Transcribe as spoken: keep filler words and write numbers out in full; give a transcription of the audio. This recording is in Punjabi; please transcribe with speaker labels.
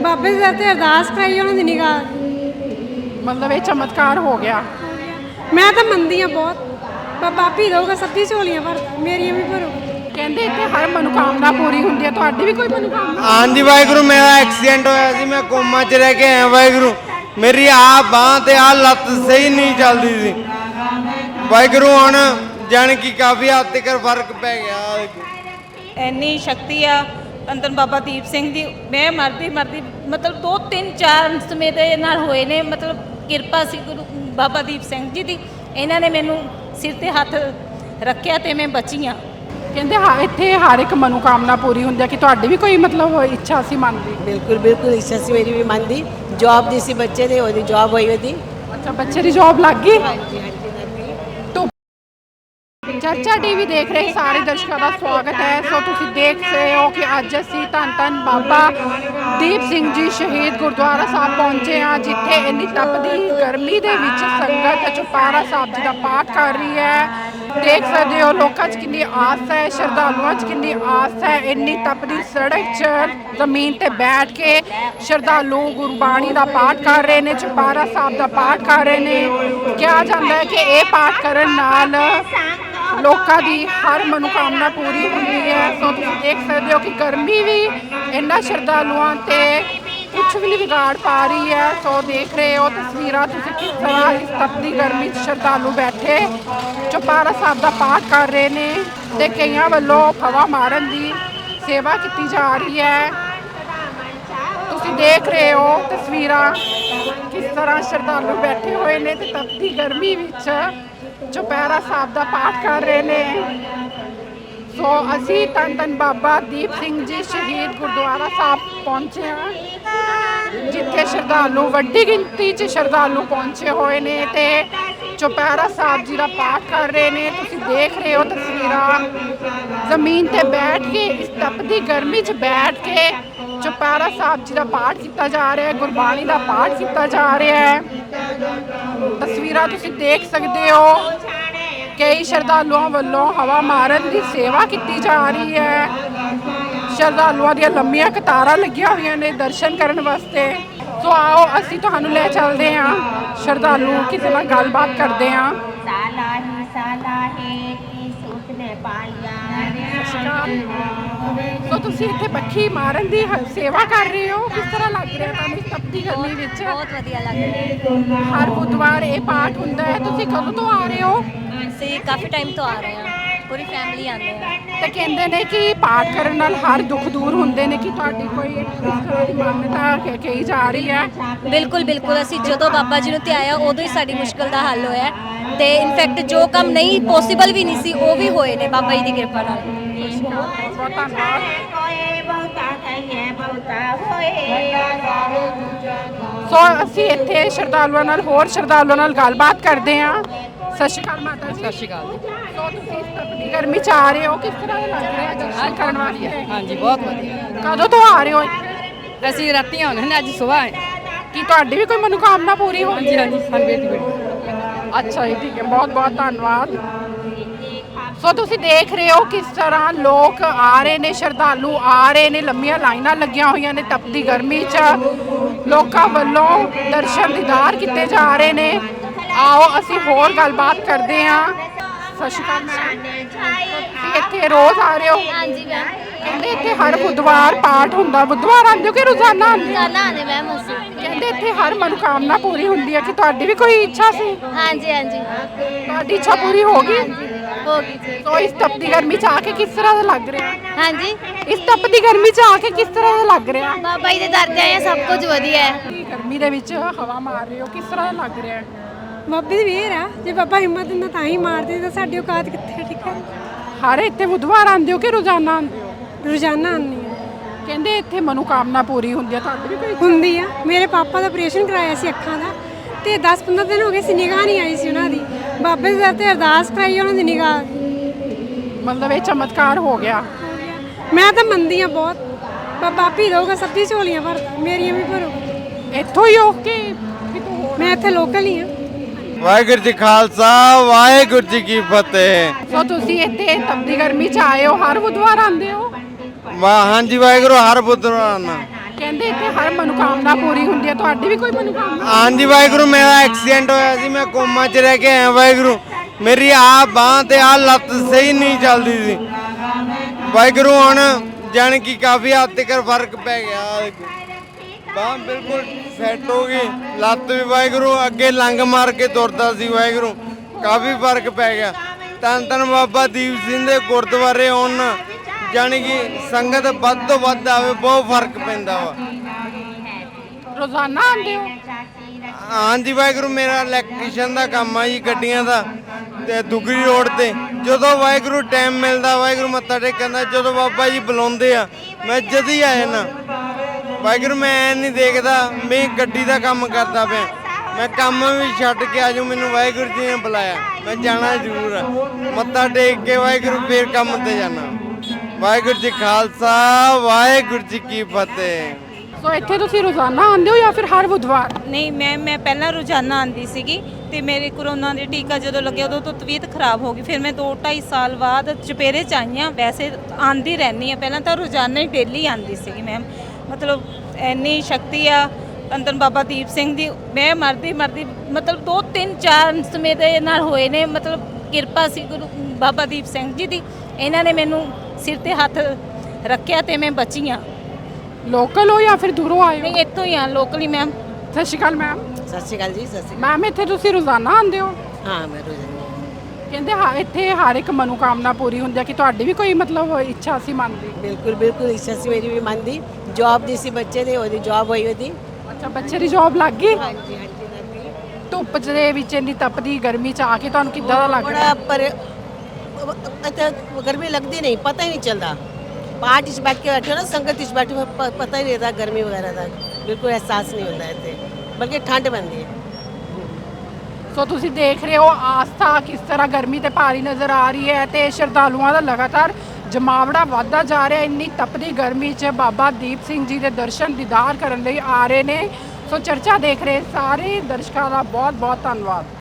Speaker 1: ਬਾਬੇ ਦੇ ਦਰ ਤੇ ਅਰਦਾਸ ਕਰਾਈ, ਉਹਨਾਂ ਦੀ ਨਿਗਾਹ।
Speaker 2: ਮਤਲਬ ਇਹ ਚਮਤਕਾਰ ਹੋ ਗਿਆ।
Speaker 1: ਮੈਂ ਤਾਂ ਮੰਨਦੀ ਆ ਬਹੁਤ, ਬਾਬਾ ਆਪੀ ਦਊਗਾ, ਸਭ ਦੀ ਝੋਲੀਆਂ ਭਰਦਾ, ਮੇਰੀਆਂ ਵੀ ਭਰੋ।
Speaker 2: ਕਹਿੰਦੇ ਇੱਥੇ ਹਰ ਮਨੋਕਾਮਨਾ ਪੂਰੀ ਹੁੰਦੀ ਹੈ, ਤੁਹਾਡੀ ਵੀ ਕੋਈ ਮਨੋਕਾਮਨਾ?
Speaker 3: ਹਾਂਜੀ ਵਾਹਿਗੁਰੂ, ਮੇਰਾ ਐਕਸੀਡੈਂਟ ਹੋਇਆ ਸੀ, ਮੈਂ ਕੋਮਾ 'ਚ ਰਹਿ ਕੇ ਆਇਆ। ਵਾਹਿਗੁਰੂ, ਮੇਰੀ ਆਹ ਬਾਂਹ ਤੇ ਆਹ ਲੱਤ ਸਹੀ ਨਹੀਂ ਚੱਲਦੀ ਸੀ। ਵਾਹਿਗੁਰੂ ਹੁਣ ਜਾਣ ਕਿ ਕਾਫੀ ਹੱਦ ਤੱਕ ਫਰਕ ਪੈ ਗਿਆ।
Speaker 4: ਇੰਨੀ ਸ਼ਕਤੀ ਆ ਅੰਦਰ ਬਾਬਾ ਦੀਪ ਸਿੰਘ ਦੀ। ਮੈਂ ਮਰਦੀ ਮਰਦੀ ਮਤਲਬ ਦੋ ਤਿੰਨ ਚਾਰ ਸਮੇਂ ਦੇ ਨਾਲ ਹੋਏ ਨੇ, ਮਤਲਬ ਕਿਰਪਾ ਸੀ ਗੁਰੂ ਬਾਬਾ ਦੀਪ ਸਿੰਘ ਜੀ ਦੀ। ਇਹਨਾਂ ਨੇ ਮੈਨੂੰ ਸਿਰ ਤੇ ਹੱਥ ਰੱਖਿਆ ਤੇ ਮੈਂ ਬਚੀ ਹਾਂ।
Speaker 2: ਕਹਿੰਦੇ ਹਾਂ ਇੱਥੇ ਹਰ ਇੱਕ ਮਨੋਕਾਮਨਾ ਪੂਰੀ ਹੁੰਦੀ ਹੈ, ਕਿ ਤੁਹਾਡੀ ਵੀ ਕੋਈ ਮਤਲਬ ਇੱਛਾ ਸੀ ਮਨ ਦੀ?
Speaker 5: ਬਿਲਕੁਲ ਬਿਲਕੁਲ ਇੱਛਾ ਸੀ ਮੇਰੀ ਵੀ ਮਨ ਦੀ। ਜੌਬ ਦੀ ਸੀ, ਬੱਚੇ ਦੀ ਉਹਦੀ ਜੌਬ ਹੋਈ ਉਹਦੀ।
Speaker 2: ਅੱਛਾ, ਬੱਚੇ ਦੀ ਜੌਬ ਲੱਗ ਗਈ।
Speaker 5: ਹਾਂਜੀ ਹਾਂਜੀ
Speaker 2: ਚਰਚਾ ਟੀਵੀ ਦੇਖ ਰਹੇ ਸਾਰੇ ਦਰਸ਼ਕਾਂ ਦਾ ਸਵਾਗਤ ਹੈ। ਸੋ ਤੁਸੀਂ ਦੇਖ ਰਹੇ ਹੋ ਕਿ ਅੱਜ ਅਸੀਂ ਧੰਨ ਧੰਨ ਬਾਬਾ ਦੀਪ ਸਿੰਘ ਜੀ ਸ਼ਹੀਦ ਗੁਰਦੁਆਰਾ ਸਾਹਿਬ ਪਹੁੰਚੇ ਹਾਂ, ਜਿੱਥੇ ਇੰਨੀ ਤਪਦੀ ਗਰਮੀ ਦੇ ਵਿੱਚ ਸੰਗਤ ਚੁਪਹਿਰਾ ਸਾਹਿਬ ਜੀ ਦਾ ਪਾਠ ਕਰ ਰਹੀ ਹੈ। ਦੇਖ ਸਕਦੇ ਹੋ ਲੋਕਾਂ 'ਚ ਕਿੰਨੀ ਆਸ ਹੈ, ਸ਼ਰਧਾਲੂਆਂ 'ਚ ਕਿੰਨੀ ਆਸ ਹੈ। ਇੰਨੀ ਤਪਦੀ ਸੜਕ 'ਚ ਜ਼ਮੀਨ ਤੇ ਬੈਠ ਕੇ ਸ਼ਰਧਾਲੂ ਗੁਰਬਾਣੀ ਦਾ ਪਾਠ ਕਰ ਰਹੇ ਨੇ, ਚੁਪਹਿਰਾ ਸਾਹਿਬ ਦਾ ਪਾਠ ਕਰ ਰਹੇ ਨੇ। ਕਿਹਾ ਜਾਂਦਾ ਹੈ ਕਿ ਇਹ ਪਾਠ ਕਰਨ ਨਾਲ ਲੋਕਾਂ ਦੀ ਹਰ ਮਨੋਕਾਮਨਾ ਪੂਰੀ ਹੁੰਦੀ ਹੈ। ਸੋ ਤੁਸੀਂ ਦੇਖ ਸਕਦੇ ਹੋ ਕਿ ਗਰਮੀ ਵੀ ਇਹਨਾਂ ਸ਼ਰਧਾਲੂਆਂ ਤੇ ਕੁਛ ਵੀ ਨਹੀਂ ਵਿਗਾੜ ਪਾ ਰਹੀ ਹੈ। ਸੋ ਦੇਖ ਰਹੇ ਹੋ ਤਸਵੀਰਾਂ ਤੁਸੀਂ ਕਿਸ ਤਰ੍ਹਾਂ ਇਸ ਤਪਦੀ ਗਰਮੀ 'ਚ ਸ਼ਰਧਾਲੂ ਬੈਠੇ ਚੁਪਹਿਰਾ ਸਾਹਿਬ ਦਾ ਪਾਠ ਕਰ ਰਹੇ ਨੇ, ਤੇ ਕਈਆਂ ਵੱਲੋਂ ਹਵਾ ਮਾਰਨ ਦੀ ਸੇਵਾ ਕੀਤੀ ਜਾ ਰਹੀ ਹੈ। ਤੁਸੀਂ ਦੇਖ ਰਹੇ ਹੋ ਤਸਵੀਰਾਂ ਕਿਸ ਤਰ੍ਹਾਂ ਸ਼ਰਧਾਲੂ ਬੈਠੇ ਹੋਏ ਨੇ ਤੇ ਤਪਦੀ ਗਰਮੀ ਵਿੱਚ ਚੁਪਹਿਰਾ ਸਾਹਿਬ ਦਾ ਪਾਠ ਕਰ ਰਹੇ ਨੇ। ਸੋ ਅਸੀਂ ਧੰਨ ਧੰਨ ਬਾਬਾ ਦੀਪ ਸਿੰਘ ਜੀ ਸ਼ਹੀਦ ਗੁਰਦੁਆਰਾ ਸਾਹਿਬ ਪਹੁੰਚੇ ਹਾਂ, ਜਿੱਥੇ ਸ਼ਰਧਾਲੂ ਵੱਡੀ ਗਿਣਤੀ 'ਚ ਸ਼ਰਧਾਲੂ ਪਹੁੰਚੇ ਹੋਏ ਨੇ ਤੇ ਚੁਪਹਿਰਾ ਸਾਹਿਬ ਜੀ ਦਾ ਪਾਠ ਕਰ ਰਹੇ ਨੇ। ਤੁਸੀਂ ਦੇਖ ਰਹੇ ਹੋ ਤਸਵੀਰਾਂ, ਜ਼ਮੀਨ ਤੇ ਬੈਠ ਕੇ ਇਸ ਤਪਦੀ ਗਰਮੀ 'ਚ ਬੈਠ ਕੇ ਚੁਪਹਿਰਾ ਸਾਹਿਬ ਜੀ ਦਾ ਪਾਠ ਕੀਤਾ ਜਾ ਰਿਹਾ ਹੈ, ਗੁਰਬਾਣੀ ਦਾ ਪਾਠ ਕੀਤਾ ਜਾ ਰਿਹਾ ਹੈ। ਤਸਵੀਰਾਂ ਤੁਸੀਂ ਦੇਖ ਸਕਦੇ ਹੋ, ਕਈ ਸ਼ਰਧਾਲੂਆਂ ਵੱਲੋਂ ਹਵਾ ਮਾਰਨ ਦੀ ਸੇਵਾ ਕੀਤੀ ਜਾ ਰਹੀ ਹੈ। ਸ਼ਰਧਾਲੂਆਂ ਦੀਆਂ ਲੰਮੀਆਂ ਕਤਾਰਾਂ ਲੱਗੀਆਂ ਹੋਈਆਂ ਨੇ ਦਰਸ਼ਨ ਕਰਨ ਵਾਸਤੇ। ਸੋ ਆਓ ਅਸੀਂ ਤੁਹਾਨੂੰ ਲੈ ਚੱਲਦੇ ਹਾਂ, ਸ਼ਰਧਾਲੂ ਕਿਸੇ ਨਾਲ ਗੱਲਬਾਤ ਕਰਦੇ ਹਾਂ। ਸੋ ਤੁਸੀਂ ਇੱਥੇ ਬੱਖੀ ਮਾਰਨ ਦੀ ਸੇਵਾ ਕਰ ਰਹੇ ਹੋ, ਕਿਸ ਤਰ੍ਹਾਂ ਲੱਗ ਰਿਹਾ ਤੁਹਾਨੂੰ ਇਸ ਤਪਦੀ ਗਰਮੀ ਵਿੱਚ?
Speaker 6: ਬਹੁਤ ਵਧੀਆ ਲੱਗ ਰਿਹਾ।
Speaker 2: ਹਰ ਬੁੱਧਵਾਰ ਇਹ ਪਾਠ ਹੁੰਦਾ ਹੈ। ਤੁਸੀਂ ਕਦੋਂ ਤੋਂ ਆ ਰਹੇ ਹੋ?
Speaker 6: ਅਸੀਂ ਕਾਫੀ ਟਾਈਮ ਤੋਂ ਆ ਰਹੇ ਹਾਂ, ਪੂਰੀ ਫੈਮਿਲੀ ਆਉਂਦੇ ਆ।
Speaker 2: ਤੇ ਕਹਿੰਦੇ ਨੇ ਕਿ ਪਾਠ ਕਰਨ ਨਾਲ ਹਰ ਦੁੱਖ ਦੂਰ ਹੁੰਦੇ ਨੇ, ਕਿ ਤੁਹਾਡੀ ਕੋਈ ਇਸ ਤਰ੍ਹਾਂ ਦੀ ਮਾਨਤਾ ਕਹੀ ਜਾ ਰਹੀ ਹੈ?
Speaker 6: ਬਿਲਕੁਲ ਬਿਲਕੁਲ, ਅਸੀਂ ਜਦੋਂ ਬਾਬਾ ਜੀ ਨੂੰ ਧਿਆਇਆ ਉਦੋਂ ਹੀ ਸਾਡੀ ਮੁਸ਼ਕਲ ਦਾ ਹੱਲ ਹੋਇਆ, ਤੇ ਇਨਫੈਕਟ ਜੋ ਕੰਮ ਨਹੀਂ ਪੋਸੀਬਲ ਵੀ ਨਹੀਂ ਸੀ ਉਹ ਵੀ ਹੋਏ ਨੇ ਬਾਬਾ ਜੀ ਦੀ ਕਿਰਪਾ ਨਾਲ।
Speaker 2: ਬਹੁਤ ਧੰਨਵਾਦ। ਸੋ ਅਸੀਂ ਇੱਥੇ ਸ਼ਰਧਾਲੂਆਂ ਨਾਲ ਹੋਰ ਸ਼ਰਧਾਲੂਆਂ ਨਾਲ ਗੱਲਬਾਤ ਕਰਦੇ ਹਾਂ। ਸਤਿ ਸ਼੍ਰੀ ਅਕਾਲ ਮਾਤਾ ਜੀ।
Speaker 7: ਸਤਿ ਸ਼੍ਰੀ ਅਕਾਲ ਜੀ।
Speaker 2: ਸੋ ਤੁਸੀਂ ਇਸ ਤਪਦੀ ਗਰਮੀ 'ਚ ਆ ਰਹੇ ਹੋ, ਕਿਸ ਤਰ੍ਹਾਂ ਦਾ ਲੱਗ ਰਿਹਾ ਦਰਸ਼ਨ ਕਰਨ ਵਾਸਤੇ?
Speaker 7: ਹਾਂਜੀ ਬਹੁਤ ਵਧੀਆ।
Speaker 2: ਕਦੋਂ ਤੋਂ ਆ ਰਹੇ ਹੋ ਇੱਥੇ?
Speaker 7: ਅਸੀਂ ਰਾਤੀ ਆਉਂਦੇ ਨੇ, ਅੱਜ ਸਵੇਰ ਆਏ।
Speaker 2: ਕੀ ਤੁਹਾਡੀ ਵੀ ਕੋਈ ਮਨੋਕਾਮਨਾ ਪੂਰੀ ਹੋਈ?
Speaker 7: ਹਾਂਜੀ ਹਾਂਜੀ, ਸਾਨੂੰ ਬੇਟੀ ਬੇਟੀ।
Speaker 2: ਅੱਛਾ ਜੀ, ਠੀਕ ਹੈ, ਬਹੁਤ ਬਹੁਤ ਧੰਨਵਾਦ। ਸੋ ਤੁਸੀਂ ਦੇਖ ਰਹੇ ਹੋ ਕਿਸ ਤਰ੍ਹਾਂ ਲੋਕ ਆ ਰਹੇ ਨੇ, ਸ਼ਰਧਾਲੂ ਆ ਰਹੇ ਨੇ, ਲੰਮੀਆਂ ਲਾਈਨਾਂ ਲੱਗੀਆਂ ਹੋਈਆਂ ਨੇ ਤਪਦੀ ਗਰਮੀ 'ਚ। ਲੋਕਾਂ ਵੱਲੋਂ ਦਰਸ਼ਨ ਦੀਦਾਰ ਕੀਤੇ ਜਾ ਰਹੇ ਨੇ। ਆਓ ਅਸੀਂ ਹੋਰ ਗੱਲਬਾਤ ਕਰਦੇ ਹਾਂ। ਸਤਿ ਸ਼੍ਰੀ ਅਕਾਲ ਮੈਮ, ਤੁਸੀਂ ਇੱਥੇ ਰੋਜ਼ ਆ ਰਹੇ ਹੋ?
Speaker 6: ਹਾਂਜੀ ਮੈਮ,
Speaker 2: ਕਹਿੰਦੇ ਇੱਥੇ ਹਰ ਬੁੱਧਵਾਰ ਪਾਠ ਹੁੰਦਾ। ਬੁੱਧਵਾਰ ਆਉਂਦੇ ਹੋ ਕਿ ਰੋਜ਼ਾਨਾ ਆਉਂਦੇ ਹੋ?
Speaker 6: ਰੋਜ਼ਾਨਾ ਆਉਂਦੇ ਮੈਮ ਅਸੀਂ।
Speaker 2: ਕਹਿੰਦੇ ਇੱਥੇ ਹਰ ਮਨੋਕਾਮਨਾ ਪੂਰੀ ਹੁੰਦੀ ਹੈ, ਕਿ ਤੁਹਾਡੀ ਵੀ ਕੋਈ ਇੱਛਾ ਸੀ?
Speaker 6: ਹਾਂਜੀ ਹਾਂਜੀ
Speaker 2: ਤੁਹਾਡੀ ਇੱਛਾ ਪੂਰੀ ਹੋ ਗਈ?
Speaker 6: ਹੋ ਗਈ ਜੀ।
Speaker 2: ਸੋ ਇਸ ਤਪਦੀ ਗਰਮੀ 'ਚ ਆ ਕੇ ਕਿਸ ਤਰ੍ਹਾਂ ਦਾ ਲੱਗ ਰਿਹਾ?
Speaker 6: ਹਾਂਜੀ,
Speaker 2: ਇਸ ਤਪਦੀ ਗਰਮੀ 'ਚ ਆ ਕੇ ਕਿਸ ਤਰ੍ਹਾਂ ਦਾ ਲੱਗ ਰਿਹਾ?
Speaker 6: ਬਾਬਾ ਜੀ ਦੇ ਦਰ ਤੇ ਆਏ, ਸਭ ਕੁਝ ਵਧੀਆ ਹੈ।
Speaker 2: ਗਰਮੀ ਦੇ ਵਿੱਚ ਹਵਾ ਮਾਰ ਰਹੇ ਹੋ, ਕਿਸ ਤਰ੍ਹਾਂ ਦਾ ਲੱਗ ਰਿਹਾ?
Speaker 1: ਬਾਬੇ ਦੀ ਮਿਹਰ ਆ, ਜੇ ਬਾਬਾ ਹਿੰਮਤ ਦਿੰਦਾ ਤਾਂ ਹੀ ਮਾਰਦੇ, ਤਾਂ ਸਾਡੀ ਔਕਾਤ ਕਿੱਥੇ? ਠੀਕ ਹੈ,
Speaker 2: ਹਰ ਇੱਥੇ ਬੁੱਧਵਾਰ ਆਉਂਦੇ ਹੋ ਕਿ ਰੋਜ਼ਾਨਾ ਆਉਂਦੇ ਹੋ?
Speaker 1: ਰੋਜ਼ਾਨਾ ਆਉਂਦੀ ਆ।
Speaker 2: ਕਹਿੰਦੇ ਇੱਥੇ ਮਨੋਕਾਮਨਾ ਪੂਰੀ ਹੁੰਦੀ ਹੈ, ਤੁਹਾਡੀ ਵੀ ਕੋਈ?
Speaker 1: ਹੁੰਦੀ ਆ। ਮੇਰੇ ਪਾਪਾ ਦਾ ਆਪਰੇਸ਼ਨ ਕਰਾਇਆ ਸੀ ਅੱਖਾਂ ਦਾ, ਤੇ ਦਸ ਪੰਦਰਾਂ ਦਿਨ ਹੋ ਗਏ ਸੀ, ਨਿਗਾਹ ਨਹੀਂ ਆਈ ਸੀ ਉਹਨਾਂ ਦੀ। ਬਾਬੇ ਦੇ ਦਰ ਤੇ ਅਰਦਾਸ ਕਰਾਈ, ਉਹਨਾਂ ਦੀ ਨਿਗਾਹ ਆ ਗਈ।
Speaker 2: ਮਤਲਬ ਇਹ ਚਮਤਕਾਰ ਹੋ ਗਿਆ।
Speaker 1: ਮੈਂ ਤਾਂ ਮੰਨਦੀ ਆ ਬਹੁਤ, ਬਾਬਾ ਆਪੀ ਦਊਗਾ, ਸਭ ਦੀ ਝੋਲੀਆਂ ਭਰਦਾ, ਮੇਰੀਆਂ ਵੀ ਭਰੋ।
Speaker 2: ਇੱਥੋਂ ਹੀ ਹੋ ਕੇ ਕਿਤੋਂ ਹੋਰ?
Speaker 1: ਮੈਂ ਇੱਥੇ ਲੋਕਲ ਹੀ ਆ।
Speaker 3: ਵਾਹਿਗੁਰੂ ਜੀ ਖਾਲਸਾ, ਵਾਹਿਗੁਰੂ ਜੀ ਕੀ ਫਤਿਹ।
Speaker 2: ਸੋ ਤੁਸੀਂ ਇੱਥੇ ਤਪਦੀ ਗਰਮੀ 'ਚ ਆਏ ਹੋ, ਹਰ ਬੁੱਧਵਾਰ ਆਉਂਦੇ ਹੋ?
Speaker 3: ਵਾਹ ਹਾਂਜੀ ਵਾਹਿਗੁਰੂ, ਹਰ ਬੁੱਧਵਾਰ ਆਉਣਾ।
Speaker 2: ਕਹਿੰਦੇ ਇੱਥੇ ਹਰ ਮਨੋਕਾਮਨਾ ਪੂਰੀ ਹੁੰਦੀ ਹੈ, ਤੁਹਾਡੀ ਵੀ ਕੋਈ ਮਨੋਕਾਮਨਾ?
Speaker 3: ਹਾਂਜੀ ਵਾਹਿਗੁਰੂ, ਮੇਰਾ ਐਕਸੀਡੈਂਟ ਹੋਇਆ ਸੀ, ਮੈਂ ਕੋਮਾ 'ਚ ਰਹਿ ਕੇ ਆਇਆ ਵਾਹਿਗੁਰੂ। ਮੇਰੀ ਆਹ ਬਾਂਹ ਤੇ ਆਹ ਲੱਤ ਸਹੀ ਨਹੀਂ ਚੱਲਦੀ ਸੀ ਵਾਹਿਗੁਰੂ। ਹੁਣ ਜਾਣੀ ਕਿ ਕਾਫੀ ਹੱਦ ਤੱਕ ਫਰਕ ਪੈ ਗਿਆ, ਬਾਂਹ ਬਿਲਕੁਲ ਸੈੱਟ ਹੋ ਗਈ, ਲੱਤ ਵੀ ਵਾਹਿਗੁਰੂ ਅੱਗੇ ਲੰਗ ਮਾਰ ਕੇ ਤੁਰਦਾ ਸੀ ਵਾਹਿਗੁਰੂ, ਕਾਫੀ ਫਰਕ ਪੈ ਗਿਆ। ਧੰਨ ਧੰਨ ਬਾਬਾ ਦੀਪ ਸਿੰਘ ਦੇ ਗੁਰਦੁਆਰੇ ਆਉਣ ਜਾਣੀ ਕਿ ਸੰਗਤ ਵੱਧ ਤੋਂ ਵੱਧ ਆਵੇ, ਬਹੁਤ ਫਰਕ ਪੈਂਦਾ ਵਾ।
Speaker 2: ਰੋਜ਼ਾਨਾ ਆਉਂਦੇ ਹੋ?
Speaker 3: ਹਾਂਜੀ ਵਾਹਿਗੁਰੂ, ਮੇਰਾ ਇਲੈਕਟ੍ਰੀਸ਼ੀਅਨ ਦਾ ਕੰਮ ਆ ਜੀ, ਗੱਡੀਆਂ ਦਾ, ਤੇ ਦੁਗਰੀ ਰੋਡ ਤੇ। ਜਦੋਂ ਵਾਹਿਗੁਰੂ ਟਾਈਮ ਮਿਲਦਾ ਵਾਹਿਗੁਰੂ ਮੱਥਾ ਟੇਕਣ ਦਾ, ਜਦੋਂ ਬਾਬਾ ਜੀ ਬੁਲਾਉਂਦੇ ਆ ਮੈਂ ਜਦ ਹੀ ਆ ਜਾਣਾ ਵਾਹਿਗੁਰੂ। ਮੈਂ ਐ ਨਹੀਂ ਦੇਖਦਾ ਮੈਂ ਗੱਡੀ ਦਾ ਕੰਮ ਕਰਦਾ ਪਿਆ, ਮੈਂ ਕੰਮ ਵੀ ਛੱਡ ਕੇ ਆਜੂ, ਮੈਨੂੰ ਵਾਹਿਗੁਰੂ ਜੀ ਨੇ ਬੁਲਾਇਆ, ਮੈਂ ਜਾਣਾ ਜ਼ਰੂਰ ਆ। ਮੱਥਾ ਟੇਕ ਕੇ ਵਾਹਿਗੁਰੂ ਫੇਰ ਕੰਮ ਤੇ ਜਾਣਾ। ਵਾਹਿਗੁਰੂ ਜੀ ਖਾਲਸਾ, ਵਾਹਿਗੁਰੂ ਜੀ ਕੀ ਫਤਿਹ।
Speaker 2: ਸੋ ਇੱਥੇ ਤੁਸੀਂ ਰੋਜ਼ਾਨਾ ਆਉਂਦੇ ਹੋ ਜਾਂ ਫਿਰ ਹਰ ਬੁੱਧਵਾਰ?
Speaker 4: ਨਹੀਂ, ਮੈਂ ਮੈਂ ਪਹਿਲਾਂ ਰੋਜ਼ਾਨਾ ਆਉਂਦੀ ਸੀਗੀ ਤੇ ਮੇਰੇ ਕਰੋਨਾ ਦੇ ਟੀਕਾ ਜਦੋਂ ਲੱਗਿਆ ਉਦੋਂ ਤੋਂ ਤਬੀਅਤ ਖਰਾਬ ਹੋ ਗਈ, ਫਿਰ ਮੈਂ ਦੋ ਢਾਈ ਸਾਲ ਬਾਅਦ ਚੁਪੇਰੇ 'ਚ ਆਈ ਹਾਂ। ਵੈਸੇ ਆਉਂਦੀ ਰਹਿੰਦੀ ਹਾਂ, ਪਹਿਲਾਂ ਤਾਂ ਰੋਜ਼ਾਨਾ ਹੀ ਡੇਲੀ ਆਉਂਦੀ ਸੀਗੀ ਮੈਮ। ਮਤਲਬ ਇੰਨੀ ਸ਼ਕਤੀ ਆ ਅੰਦਰ ਬਾਬਾ ਦੀਪ ਸਿੰਘ ਦੀ। ਮੈਂ ਮਰਦੀ ਮਰਦੀ ਮਤਲਬ ਦੋ ਤਿੰਨ ਚਾਰ ਸਮੇਂ ਨਾਲ ਹੋਏ ਨੇ, ਮਤਲਬ ਕਿਰਪਾ ਸੀ ਗੁਰੂ ਬਾਬਾ ਦੀਪ ਸਿੰਘ ਜੀ ਦੀ। ਇਹਨਾਂ ਨੇ ਮੈਨੂੰ ਸਿਰ ਤੇ ਹੱਥ ਰੱਖਿਆ ਤੇ ਮੈਂ ਬਚੀ ਹਾਂ।
Speaker 2: ਲੋਕਲ ਹੋ ਜਾਂ ਫਿਰ ਦੂਰੋਂ ਆਏ ਹੋ?
Speaker 4: ਨਹੀਂ, ਇੱਥੋਂ ਹੀ ਆ, ਲੋਕਲੀ ਮੈਮ।
Speaker 2: ਸਤਿ ਸ਼੍ਰੀ ਅਕਾਲ ਮੈਮ।
Speaker 5: सत श्रीकाल जी, सत श्री
Speaker 2: ਮੈਮ ਇੱਥੇ ਤੁਸੀਂ ਰੋਜ਼ਾਨਾ ਆਉਂਦੇ ਹੋ?
Speaker 5: हाँ मैं रोजाना
Speaker 2: ਕਹਿੰਦੇ ਹਾਂ ਇੱਥੇ ਹਰ ਇੱਕ ਮਨੋਕਾਮਨਾ ਪੂਰੀ ਹੁੰਦੀ ਹੈ, ਕਿ ਤੁਹਾਡੀ ਵੀ ਕੋਈ ਮਤਲਬ ਇੱਛਾ ਸੀ ਮੰਨਦੀ?
Speaker 5: बिल्कुल बिल्कुल इच्छा सी मेरी भी मन दी। जॉब दी सी बच्चे ने ओदी जॉब होई थी।
Speaker 2: ਅੱਛਾ, ਬੱਚੇ ਦੀ ਜੌਬ ਲੱਗ ਗਈ?
Speaker 5: हाँ जी हाँ जी लग गई।
Speaker 2: ਧੁੱਪ ਦੇ ਵਿੱਚ ਇੰਨੀ ਤਪਦੀ ਗਰਮੀ 'ਚ ਆ ਕੇ ਤੁਹਾਨੂੰ ਕਿੱਦਾਂ ਦਾ ਲੱਗ ਰਿਹਾ?
Speaker 5: बड़ा पर अच्छा गर्मी लगती नहीं, पता ही नहीं चलता। पार्ट इस बैठ के बैठे हो ना, संगत इस बैठे हो, प- पता ही नहीं रहता गर्मी वगैरह का, बिल्कुल एहसास नहीं होता है इतने, बल्कि ठंड बनती है।
Speaker 2: ਸੋ ਤੁਸੀਂ ਦੇਖ ਰਹੇ ਹੋ ਆਸਥਾ ਕਿਸ ਤਰ੍ਹਾਂ ਗਰਮੀ ਤੇ ਭਾਰੀ ਨਜ਼ਰ ਆ ਰਹੀ ਹੈ, ਤੇ ਸ਼ਰਧਾਲੂਆਂ ਦਾ ਲਗਾਤਾਰ ਜਮਾਵੜਾ ਵੱਧਦਾ ਜਾ ਰਿਹਾ। ਇੰਨੀ ਤਪਦੀ ਗਰਮੀ 'ਚ ਬਾਬਾ ਦੀਪ ਸਿੰਘ ਜੀ ਦੇ ਦਰਸ਼ਨ ਦੀਦਾਰ ਕਰਨ ਲਈ ਆ ਰਹੇ ਨੇ। ਸੋ ਚਰਚਾ ਦੇਖ ਰਹੇ ਸਾਰੇ ਦਰਸ਼ਕਾਂ ਦਾ ਬਹੁਤ ਬਹੁਤ ਧੰਨਵਾਦ।